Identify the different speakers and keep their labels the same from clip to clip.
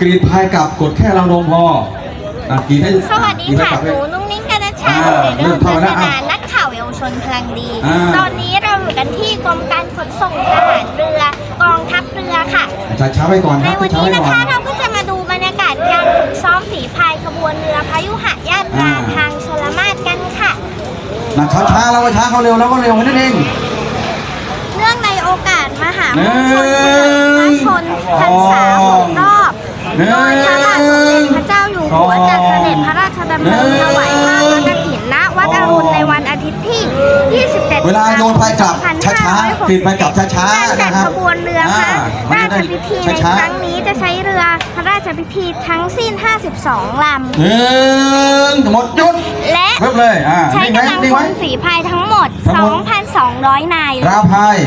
Speaker 1: รีดพายกับกดแค่ราวนมพอกีดให้
Speaker 2: สวัสดีค่ะหนูนุ่งนิ้งกันนะชาเรื่องพัฒนานักข่าวเยาวชนพลังดีตอนนี้เราอยู่กันที่กรมการขนส่งทหารเรือกองทัพเรือค่ะ
Speaker 1: ช้าไปก่อน
Speaker 2: ในวันนี้นะคะเราก็จะมาดูบรรยากาศการฝึกซ้อมฝีพายขบวนเรือพยุหญาตราทางชลมาศกันค่ะ
Speaker 1: ช้าแล้วก็ช้าเขาเร็วแล้วก็เร็วนั่นเอง
Speaker 2: เนื่องในโอกาสมหามงคลเฉลิมพระชนพรรษา6 รอบโดยพระบาทสมเด็จพระเจ้าอยู่หัวจะเสด็จพระราชดำเนินถวายผ้าพระกฐินณวัดอรุณในวันอาทิตย์ที่ 27
Speaker 1: เวลาโยนพายกลับช้าๆติดพายกลับช้าๆนะครับ
Speaker 2: ขบวนเรือพระราชพิธีในครั้งนี้จะใช้เรือพระราชพิธีทั้งสิ้น52 ล
Speaker 1: ำหมดยุด
Speaker 2: และใช้กำลังพลฝีพายทั้งหมด 2,200 นาย
Speaker 1: ราพาย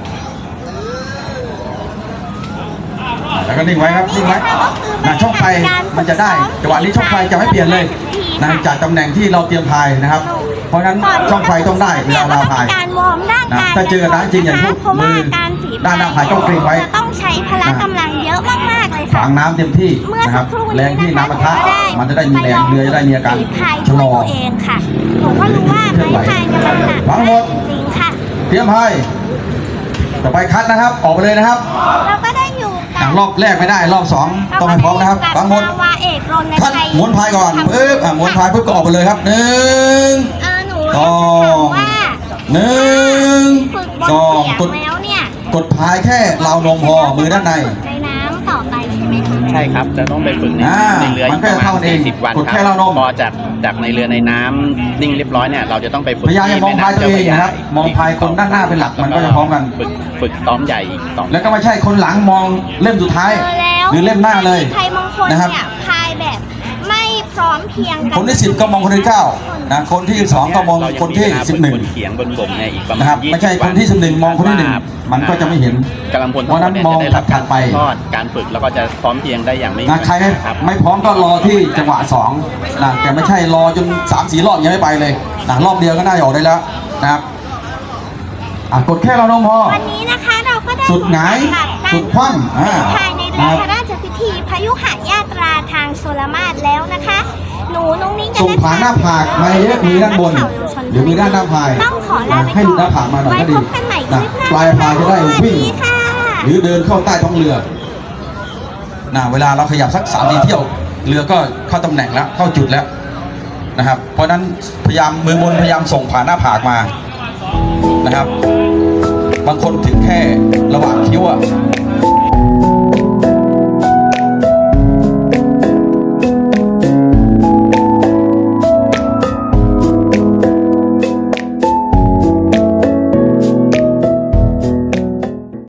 Speaker 1: แล้วก็นิ่งไว้ครับนิ่งไว้ช่องไฟมันจะได้จังหวะนี้ช่องไฟจะไม่เปลี่ยนเลยจากตำแหน่งที่เราเตรียมพายนะครับเพราะฉะนั้นช่องไฟต้องได้เวลาเราพาย
Speaker 2: การวอร์มร่างกาย
Speaker 1: ถ้าเจอน้ำจริงอย่างพวกมือด้านหน้าพายต้องเกรงไว้
Speaker 2: ต้องใช้พละกำลังเยอะมากๆเลยค่ะ
Speaker 1: ฝังน้ำเต็มที่นะครับแรงที่น้ำปะทะมันจะได้มีแรงเรือจะได้มีอาการ
Speaker 2: ชะลอตัวเองค่ะผมก็รู้ว่าไม้พายเนี่ยมันหนักจริงๆค่ะ
Speaker 1: เตรียมพายต่อไปคัดนะครับออกไปเลยนะครับ
Speaker 2: เราก็ได้อยู่
Speaker 1: รอบแรกไม่ได้รอบ2ต้องให้พร้อมนะครับวางหมดคัดหมุนพายก่อนปึ๊บหมุนพายปึ๊บก็ออกไปเลยครับ1 2 กดพายแค่ราวนมพอมือด้านใน
Speaker 2: น้ำต่อไปใช่ไหมคะ
Speaker 3: ใช่ครับจะต้องไปฝึกในเรืออีกประมาณ40 วันครับพอจากในเรือในน้ำนิ่งเรียบร้อยเนี่ยเราจะต้องไปฝึก
Speaker 1: พยายามมองพายตัวเองนะครับมองพายคนด้านหน้าเป็นหลักมันก็จะพร้อมกัน
Speaker 3: ฝึกซ้อมใหญ่อีก2
Speaker 1: แล้วก็ไม่ใช่คนหลังมองเล่มสุดท้ายหรือเล่มหน้าเลย
Speaker 2: นะครับพายแบบไม่พร้อมเพียงกัน
Speaker 1: คนที่10ก็มองคนที่9นะคนที่12ก็มองคนที่11
Speaker 3: เขียงบนบกเนี่ยอีกประมาณ
Speaker 1: นะครับไม่ใช่คนที่11มองคนที่1มันก็จะไม่เห็น
Speaker 3: กำลังพล
Speaker 1: เพราะนั้นมองถัดไป
Speaker 3: การฝึกแล้วก็จะพร้อมเพียงได้อย่างไม่
Speaker 1: ใครไม่พร้อมก็รอที่จังหวะ2นะแต่ไม่ใช่รอจน 3-4 รอบยังไม่ไปเลยนะรอบเดียวก็น่าจะออกได้แล้วนะครับกดแค่เรานมพอ
Speaker 2: วันนี้นะคะเราก็ได้
Speaker 1: สุดหงายสุดคว่ำ
Speaker 2: ภายในเรือพระราชพิธีพยุหญาตราทางชลมาศแล้วนะคะหนูนุ่งนิ้ง
Speaker 1: ส่งผ่านหน้าผากมาเยอะมือด้านบนหรือมือด้านหน้าพาย
Speaker 2: ต้องขอลาไปก่อน
Speaker 1: ให้หน้าผากมาหน่อยก็ดีปลายพายจะได้วิ่งหรือเดินเข้าใต้ท้องเรือเวลาเราขยับสัก3-4 เที่ยวเรือก็เข้าตำแหน่งแล้วเข้าจุดแล้วนะครับเพราะนั้นพยายามมือบนพยายามส่งผ่านหน้าผากมานะครับบางคนถึงแค่ระหว่างคิ้ว